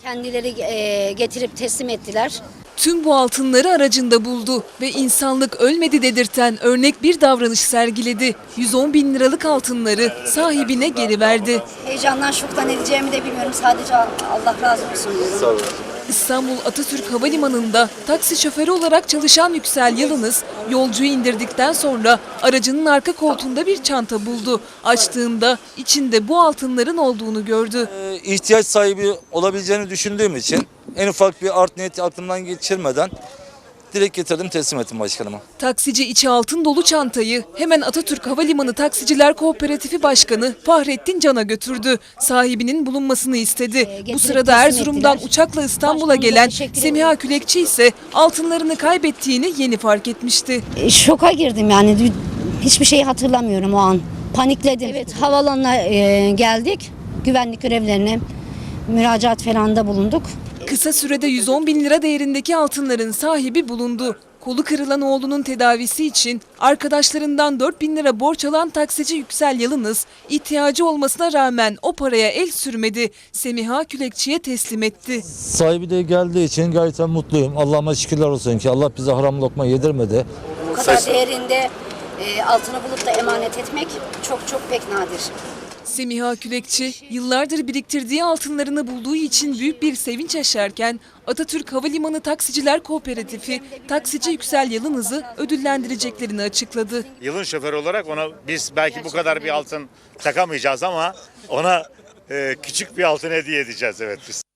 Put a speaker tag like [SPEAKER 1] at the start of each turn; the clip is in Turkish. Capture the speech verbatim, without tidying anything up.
[SPEAKER 1] Kendileri e, getirip teslim ettiler.
[SPEAKER 2] Tüm bu altınları aracında buldu ve insanlık ölmedi dedirten örnek bir davranış sergiledi. yüz on bin liralık altınları sahibine geri verdi.
[SPEAKER 1] Heyecandan şoktan edeceğimi de bilmiyorum. Sadece Allah razı olsun diyorum.
[SPEAKER 3] Sağ olun.
[SPEAKER 2] İstanbul Atatürk Havalimanı'nda taksi şoförü olarak çalışan Yüksel Yalınız yolcuyu indirdikten sonra aracının arka koltuğunda bir çanta buldu. Açtığında içinde bu altınların olduğunu gördü.
[SPEAKER 3] Ee, ihtiyaç sahibi olabileceğini düşündüğüm için en ufak bir art niyeti aklımdan geçirmeden direkt getirdim, teslim ettim başkanıma.
[SPEAKER 2] Taksici içi altın dolu çantayı hemen Atatürk Havalimanı Taksiciler Kooperatifi Başkanı Fahrettin Can'a götürdü. Sahibinin bulunmasını istedi. Bu sırada Erzurum'dan uçakla İstanbul'a gelen Semiha Külekçi ise altınlarını kaybettiğini yeni fark etmişti.
[SPEAKER 1] E, Şoka girdim yani. Hiçbir şeyi hatırlamıyorum o an. Panikledim. Evet, havalanına e, geldik. Güvenlik görevlilerine müracaat falan da bulunduk.
[SPEAKER 2] Kısa sürede yüz on bin lira değerindeki altınların sahibi bulundu. Kolu kırılan oğlunun tedavisi için arkadaşlarından dört bin lira borç alan taksici Yüksel Yalınız ihtiyacı olmasına rağmen o paraya el sürmedi. Semiha Külekçi'ye teslim etti.
[SPEAKER 3] Sahibi de geldiği için gayet mutluyum. Allah'ıma şükürler olsun ki Allah bize haram lokma yedirmedi.
[SPEAKER 1] Bu kadar değerinde e, altını bulup da emanet etmek çok çok pek nadir.
[SPEAKER 2] Semiha Külekçi yıllardır biriktirdiği altınlarını bulduğu için büyük bir sevinç yaşarken Atatürk Havalimanı Taksiciler Kooperatifi taksici Yüksel Yalınız'ı ödüllendireceklerini açıkladı.
[SPEAKER 4] Yılın şoförü olarak ona biz belki bu kadar bir altın takamayacağız ama ona e, küçük bir altın hediye edeceğiz, evet biz.